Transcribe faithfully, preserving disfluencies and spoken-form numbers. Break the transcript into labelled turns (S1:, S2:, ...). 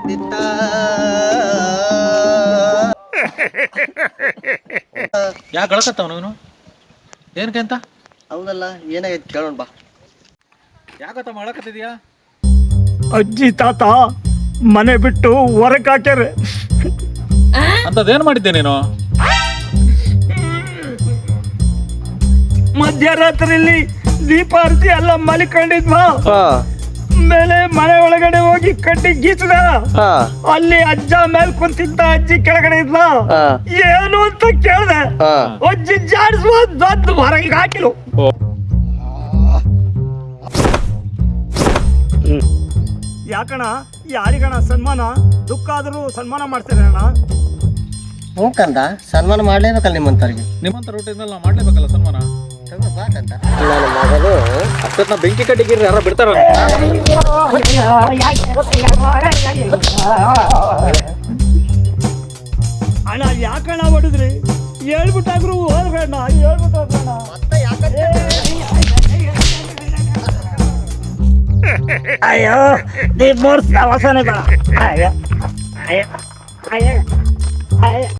S1: ಯಾಕೆ ಗಳಕತ್ತಾವ ನೀನು ಏನಕ್ಕೆ ಅಂತ?
S2: ಹೌದಲ್ಲ, ಏನಾಗೈತಿ ಕೇಳೋಣ ಬಾ.
S1: ಯಾಕತ್ತ ಮಾಡಕತ್ತಿದ್ಯಾ?
S3: ಅಜ್ಜಿ ತಾತ ಮನೆ ಬಿಟ್ಟು ಹೊರಗೆ ಹಾಕ್ಯಾರ.
S1: ಅಂತದೇನು ಮಾಡಿದ್ದೆ ನೀನು?
S3: ಮಧ್ಯರಾತ್ರಿಲಿ ದೀಪಾರತಿ ಎಲ್ಲ ಮಲಿಕೊಂಡಿದ್ವಾ. ಮೇಲೆ ಮನೆ ಒಳಗಡೆ ಹೋಗಿ ಕಟ್ಟಿ ಗೀಚದ. ಅಲ್ಲಿ ಅಜ್ಜ ಮೇಲೆ ಕುಂತಿದ್ದ, ಅಜ್ಜಿ ಕೆಳಗಡೆ ಇದ್ಲ. ಏನು ಅಂತ ಕೇಳ್ದೆ, ಅಜ್ಜಿ ಜಾಡಿಸುವ ದೊಡ್ಡ ಹೊರಗೆ ಹಾಕಿಲು. ಯಾಕಣ ಯಾರಿಗಣ ಸನ್ಮಾನ ದುಃಖ ಆದ್ರೂ ಸನ್ಮಾನ ಮಾಡ್ತಾರೆ ಅಣ್ಣ.
S2: ಹ್ಞೂ ಕಂದ, ಸನ್ಮಾನ ಮಾಡ್ಲೇಬೇಕಲ್ಲ ನಿಮ್ಮಂತವ್ರಿಗೆ.
S1: ನಿಮ್ಮಂತ ರೂಟಿಂದ ನಾವು ಮಾಡ್ಲೇಬೇಕಲ್ಲ ಸನ್ಮಾನ.
S2: ನನ್ನ ಮಗನು
S1: ಅಷ್ಟೊತ್ತ ಬೆಂಕಿ ಕಟ್ಟಿಗಿರಿ ಯಾರ ಬಿಡ್ತಾರ?
S3: ಅಣ್ಣ ಯಾಕಣ್ಣ ಹೊಡಿದ್ರಿ? ಹೇಳ್ಬಿಟ್ಟಾಗ್ರು ಹೋಗ್ಬೇಡ, ಹೇಳ್ಬಿಟ್ಟು ಹೋಗೋಣ. ಅಯ್ಯೋ ನೀ ಮೂರ್ಸ್ ಅವಸನೆ ಬೇಡ. ಅಯ್ಯೋ ಅಯ್ಯೋ ಅಯ್ಯೋ ಅಯ್ಯೋ